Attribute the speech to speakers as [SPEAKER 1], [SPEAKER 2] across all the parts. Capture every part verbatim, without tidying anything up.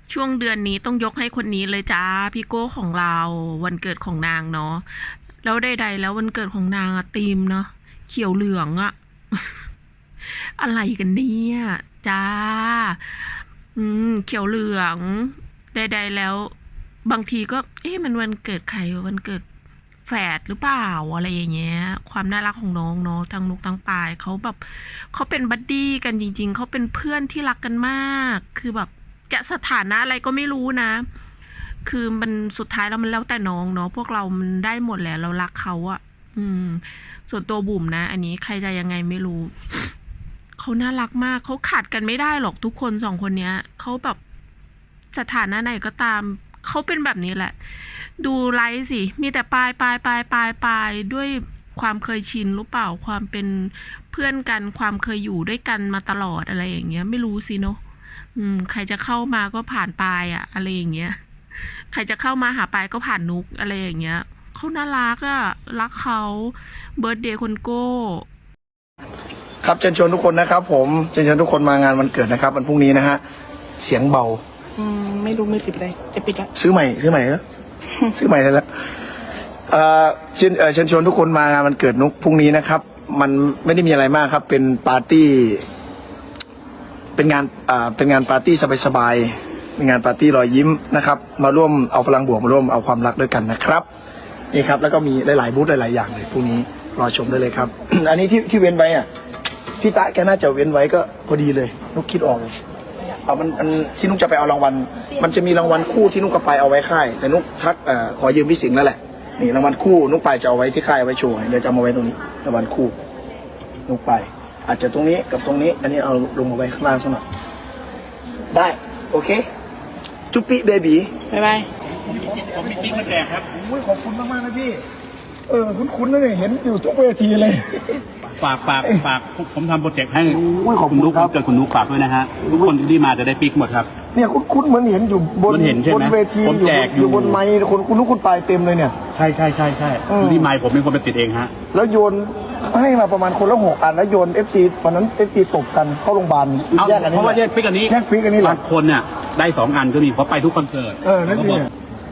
[SPEAKER 1] ช่วงเดือนนี้ต้องยกให้คนนี้เลยจ้าพี่โก้ของเราวันเกิดของนางเนาะแล้วใดๆแล้ววันเกิดของนางอะธีมเนาะเขียวเหลืองอะ อะไรกันเนี่ยจ้าอืมเขียวเหลืองใดๆแล้วบางทีก็เอ๊ะมันวันเกิดใครวันเกิดแฝดหรือเปล่าอะไรอย่างเงี้ยความน่ารักของน้องเนาะทั้งนุกทั้งปายเขาแบบเขาเป็นบัดดี้กันจริงๆเขาเป็นเพื่อนที่รักกันมากคือแบบจะสถานะอะไรก็ไม่รู้นะ คือมันสุดท้ายแล้วมันแล้วแต่น้องเนาะพวกเรามันได้หมดแหละเรารักเขาอะอืม ส่วนตัวบุ๋มนะอันนี้ใครจะยังไงไม่รู้ เขาน่ารักมากเขาขาดกันไม่ได้หรอกทุกคนสองคนเนี้ยเขาแบบสถานะไหนก็ตามเขาเป็นแบบนี้แหละ ดูไลฟ์สิมีแต่ปลายปลายปลายปลายปลายด้วยความเคยชินหรือเปล่าความเป็นเพื่อนกันความเคยอยู่ด้วยกันมาตลอดอะไรอย่างเงี้ยไม่รู้สิเนาะอืมใครจะเข้ามาก็ผ่านปลายอะอะไรอย่างเงี้ยใครจะเข้ามาหาปลายก็ผ่านนุกอะไรอย่างเงี้ยเขาน่ารักอะรักเขาเบิร์ดเดย์คนโก้
[SPEAKER 2] ครับเชิญชวนทุกคนนะครับผมเชิญชวนทุกคนมางานวันเกิดนะครับวันพรุ่งนี้นะฮะเสียงเบา
[SPEAKER 3] อืมไม่รู้มือถือไปไหนจะปิดละ
[SPEAKER 2] ซื้อใหม่ซื้อใหม่แล้ว ซื้อใหม่ได้แล้วเอ่อเชิญเอ่อเชิญชวนทุกคนมางานวันเกิดนุกพรุ่งนี้นะครับ มันไม่ได้มีอะไรมากครับ เป็นปาร์ตี้ เป็นงานอ่าเป็นงานปาร์ตี้สบายๆเป็นงานปาร์ตี้รอยยิ้มนะครับ มาร่วมเอาพลังบวกมาร่วมเอาความรักด้วยกันนะครับนี่ครับแล้วก็มีหลายๆบูธหลายๆอย่างเลยพรุ่งนี้รอชมได้เลยครับ อันนี้ที่ที่เว้นไว้อ่ะพี่ตะแกน่าจะเว้นไว้ก็พอดีเลยนุกคิดออกเลยเอามันมันที่นุกจะไปเอารางวัลมันจะมีรางวัลคู่ที่นุกกับไปายเอาไว้ค่ายแต่นุกทักเอ่อขอยืมพี่สิงห์แล้วแหละนี่รางวัลคู่นุกไปายจะเอาไว้ที่ค่ายไว้โชว์เดี๋ยวจะเอามาไว้ตรงนี้รางวัลคู่นุกไปายอาจจะตรงนี้กับตรงนี้ อันนี้เอาลงมาไว้ข้างล่างสักหน่อยได้โอเคจุ๊ปปี้เบบี
[SPEAKER 3] บ๊ายบาย
[SPEAKER 4] ผมมีปิ๊กมาแจกครับ
[SPEAKER 2] โอ้ยขอบคุณมากมากนะพี่เออคุ้นๆนะเนี่ยเห็นอยู่ทุกเวทีเลย
[SPEAKER 4] ฝากฝากฝากผมทำโปรเจกต์ให้
[SPEAKER 2] โอ้ยขอบคุณ
[SPEAKER 4] ณนุ๊ก
[SPEAKER 2] ครับ
[SPEAKER 4] เกิดคุณนุ๊กฝากด้วยนะฮะทุกคนที่มาจะได้ปิ๊กหมดครับ
[SPEAKER 2] เนี่ยคุ้นๆเหมือนเห็นอยู่บน
[SPEAKER 4] มันเห็นใช่ไหม
[SPEAKER 2] บนเวที
[SPEAKER 4] ผม
[SPEAKER 2] อยู่
[SPEAKER 4] แจกอยู่
[SPEAKER 2] อยู่บนไมค์คนคุณนุกคุณปลายเต็มเลยเนี่ย
[SPEAKER 4] ใช่ใช่ใช่ใช่
[SPEAKER 2] อืม
[SPEAKER 4] ที่ไมค์ผมเป็นคนไปติดเองฮะ
[SPEAKER 2] แล้วโยนให้มาประมาณคนละหกอันแล้วโยนเอฟซีวันนั้นเอฟซีตบกันเข้าโรงพยาบาล
[SPEAKER 4] เอา
[SPEAKER 2] แยกกัน
[SPEAKER 4] เพ
[SPEAKER 2] นี่
[SPEAKER 4] ราะว่า
[SPEAKER 2] แห
[SPEAKER 4] แย
[SPEAKER 2] ละ
[SPEAKER 4] กปิ๊กอันนี้
[SPEAKER 2] แยกปิ๊กอันนี้แหละ
[SPEAKER 4] บางคนเนี่ยได้สองอันก็มีเพราะไปทุกคอนเสิร์ต
[SPEAKER 2] เออนั่น
[SPEAKER 4] ขา
[SPEAKER 2] สิ
[SPEAKER 4] บอก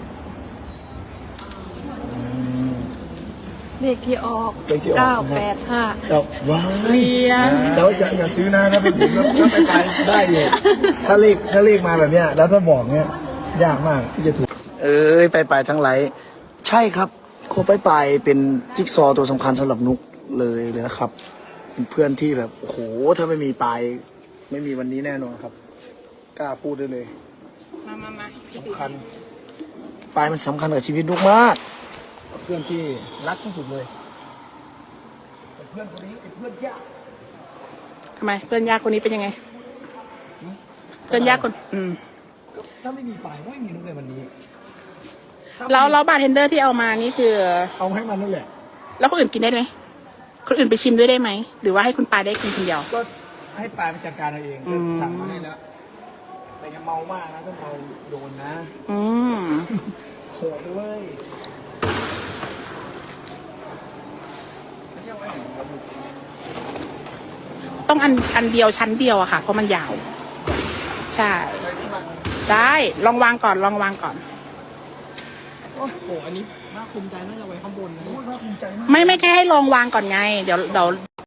[SPEAKER 5] เลขที่ออก
[SPEAKER 2] เป็นที่ออก
[SPEAKER 5] เก้าแปดห้า
[SPEAKER 2] แต่ว้าย
[SPEAKER 5] เรียน
[SPEAKER 2] แต่ว่าอย่าอย่าซื้อนะถ้าเป็นผมแล้วถ้าไปไปได้อยู่ถ้าเลขถ้าเลขมาแบบเนี้ยแล้วถ้าบอกเนี้ยยากมากที่จะถูก เอ้ยไปไปทั้งหลายใช่ครับโคไปไปเป็นจิ๊กซอว์ตัวสำคัญสำหรับนุกเลยเลยนะครับ เป็นเพื่อนที่แบบโอ้โหถ้าไม่มีปายไม่มีวันนี้แน่นอนครับ กล้าพูดได้เลย
[SPEAKER 3] มามามา
[SPEAKER 2] สำคัญปายมันสำคัญกับชีวิตนุกมาก เพื่อนที่รักที่สุดเลยแต่เพื่อนคนนี้ไอ้เพื่อนยาก
[SPEAKER 3] ทำไมเพื่อนยากคนนี้เป็นยังไง เพื่อนยากคน อืม
[SPEAKER 2] ถ้าไม่มีปายไม่มีนุกในวันนี้ถ้า
[SPEAKER 3] แล้วแล้วบาร์เทนเดอร์ที่เอามานี่คือ
[SPEAKER 2] เอาให้มันนั่นแหละ
[SPEAKER 3] แล้วคนอื่นกินได้ไหมคนอื่นไปชิมด้วยได้ไหมหรือว่าให้คุณปายได้กินคนเดียว
[SPEAKER 2] ก็ให้ปายมันจัดการเอาเอง
[SPEAKER 3] อืม
[SPEAKER 2] สั่งมาให้แล้วแต่อย่าเมามากนะถ้าเมาโดนนะ
[SPEAKER 3] อืม
[SPEAKER 2] โหดด้วย
[SPEAKER 3] ต้องอันอันเดียวชั้นเดียวอะค่ะ เพราะมันยาว ใช่ ได้ลองวางก่อนลองวางก่อน
[SPEAKER 2] โอ้โหอันนี้น่าภูมิใจน่าจะไว้ข้างบนนะน่าภูมิใจมาก
[SPEAKER 3] ไม่ไม่แค่ให้ลองวางก่อนไง เดี๋ยวเดี๋ยว